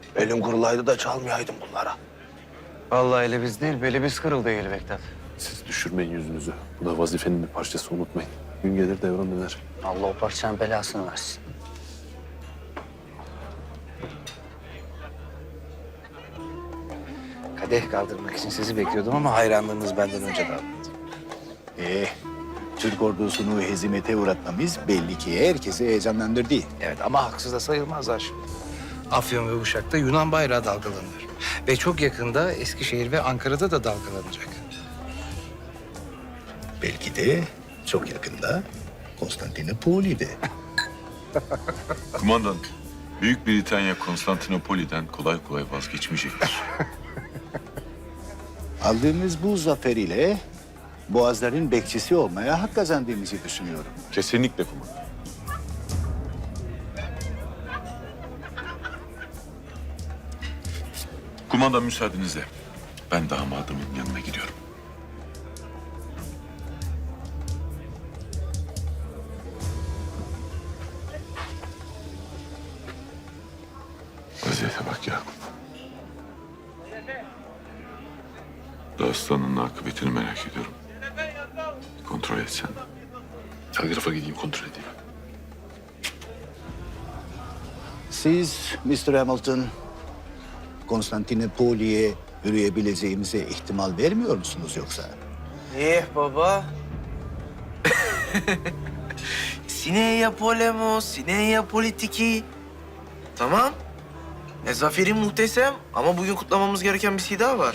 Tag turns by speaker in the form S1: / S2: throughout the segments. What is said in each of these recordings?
S1: Elim kurulaydı da çalmayaydım bunlara.
S2: Vallahi ele biz değil, beli biz kırıldı eli Bektat.
S3: Siz düşürmeyin yüzünüzü. Bu da vazifenin bir parçası, unutmayın. Gün gelir devran döner.
S2: Allah o parçanın belasını versin. Kadeh kaldırmak için sizi bekliyordum ama hayranlığınız benden önce dağıldı.
S4: Türk ordusunu hezimete uğratmamız belli ki herkesi heyecanlandırdı.
S2: Evet ama haksız da sayılmazlar şimdi. Afyon ve Uşak'ta Yunan bayrağı dalgalanır. Ve çok yakında Eskişehir ve Ankara'da da dalgalanacak.
S4: Belki de çok yakında Konstantinopoli'de.
S5: Kumandan, Büyük Britanya Konstantinopoli'den kolay kolay vazgeçmeyecektir.
S4: Aldığımız bu zafer ile Boğazların bekçisi olmaya hak kazandığımızı düşünüyorum.
S5: Kesinlikle kumandan. Kumandan müsaadenizle ben damadımın yanına gidiyorum. Vaziyete bak Yakup. Dağıstan'ın akıbetini merak ediyorum. Kontrol etsen.
S3: Telgrafa gideyim, kontrol edeyim.
S4: Siz Mr. Hamilton, Konstantinopoli'ye yürüyebileceğimize ihtimal vermiyor musunuz yoksa?
S6: Baba. Sineya polemo, sineya politiki. Tamam. Zaferin muhteşem ama bugün kutlamamız gereken bir şey daha var.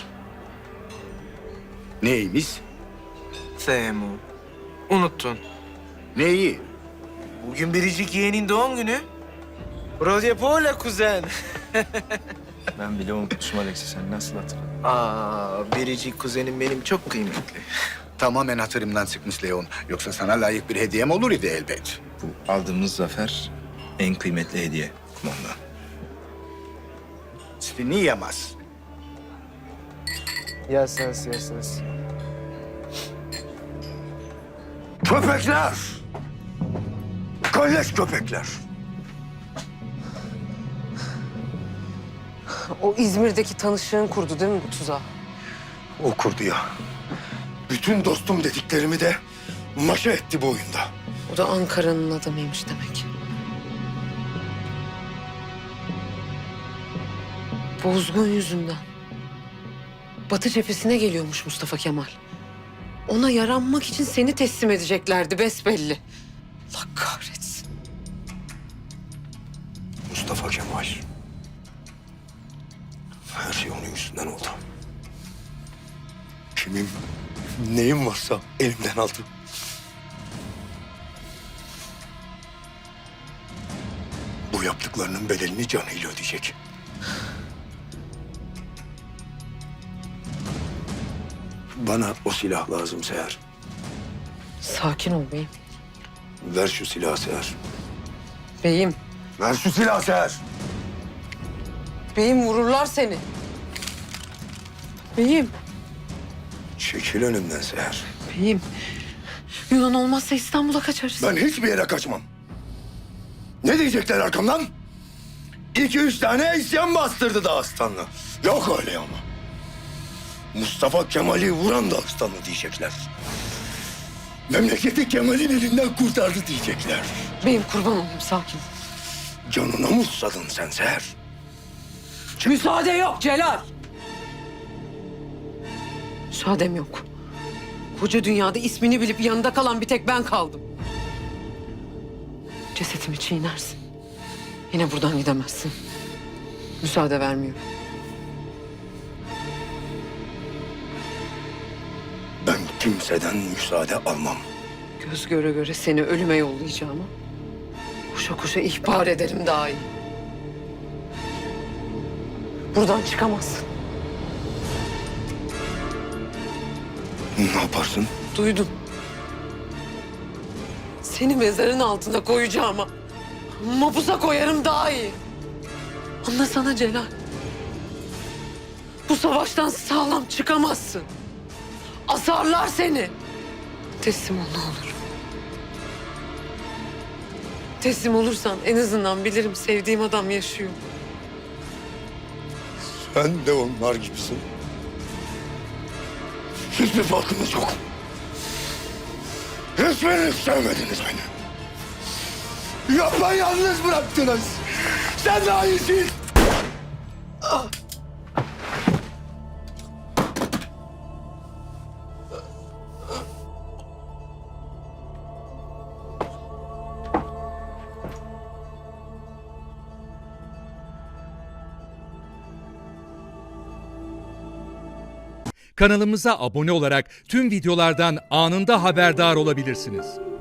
S4: Neymiş?
S6: Semu. Unuttun.
S4: Neyi?
S6: Bugün biricik yeğenin doğum günü. Rodya Pola kuzen.
S7: Ben bile unutmuşum Alex'i. Sen nasıl hatırladın?
S6: Biricik kuzenim benim çok kıymetli.
S4: Tamamen hatırımdan çıkmış Leon. Yoksa sana layık bir hediyem olur idi elbet.
S7: Bu aldığımız zafer en kıymetli hediye kumandan.
S4: Sviniyamaz.
S6: Yes.
S1: Köpekler! Kalleş köpekler!
S8: O İzmir'deki tanışığın kurdu değil mi bu tuzağı?
S1: O kurdu ya. Bütün dostum dediklerimi de maşa etti bu oyunda.
S8: O da Ankara'nın adamıymış demek. Bozgun yüzünden. Batı cephesine geliyormuş Mustafa Kemal. Ona yaranmak için seni teslim edeceklerdi besbelli. Allah kahretsin.
S1: Mustafa Kemal. Her şey onun yüzünden oldu. Kimim, neyim varsa elimden aldı. Bu yaptıklarının bedelini canıyla ödeyecek. Bana o silah lazım Seher.
S8: Sakin ol beyim.
S1: Ver şu silahı Seher.
S8: Beyim,
S1: Ver şu silahı Seher.
S8: beyim vururlar seni. Beyim,
S1: Çekil önümden Seher.
S8: beyim. Yunan olmazsa İstanbul'a kaçarız.
S1: Ben hiçbir yere kaçmam. Ne diyecekler arkamdan? 2-3 tane isyan bastırdı Dağıstanlı. Yok öyle ama. Mustafa Kemal'i vuran Dağıstanlı diyecekler. Memleketi Kemal'in elinden kurtardı diyecekler.
S8: Beyim kurban olayım sakin.
S1: Canına mı susadın sen Seher?
S8: Müsaade yok Celal. Müsaadem yok. Koca dünyada ismini bilip yanında kalan bir tek ben kaldım. Cesetimi çiğnersin. Yine buradan gidemezsin. Müsaade vermiyorum.
S1: Ben kimseden müsaade almam.
S8: Göz göre göre seni ölüme yollayacağıma koşa koşa ihbar ederim daha iyi. Buradan çıkamazsın.
S1: Ne yaparsın?
S8: Duydum. Seni mezarın altına koyacağıma mapusa koyarım daha iyi. Anlasana Celal. Bu savaştan sağlam çıkamazsın. Asarlar seni. Teslim ol ne olur. Teslim olursan en azından bilirim sevdiğim adam yaşıyor.
S1: Sen de onlar gibisin. Hiçbir farkınız yok. Hiçbiriniz sevmediniz beni. Yapayalnız bıraktınız. Sen daha iyisin.
S9: Kanalımıza abone olarak tüm videolardan anında haberdar olabilirsiniz.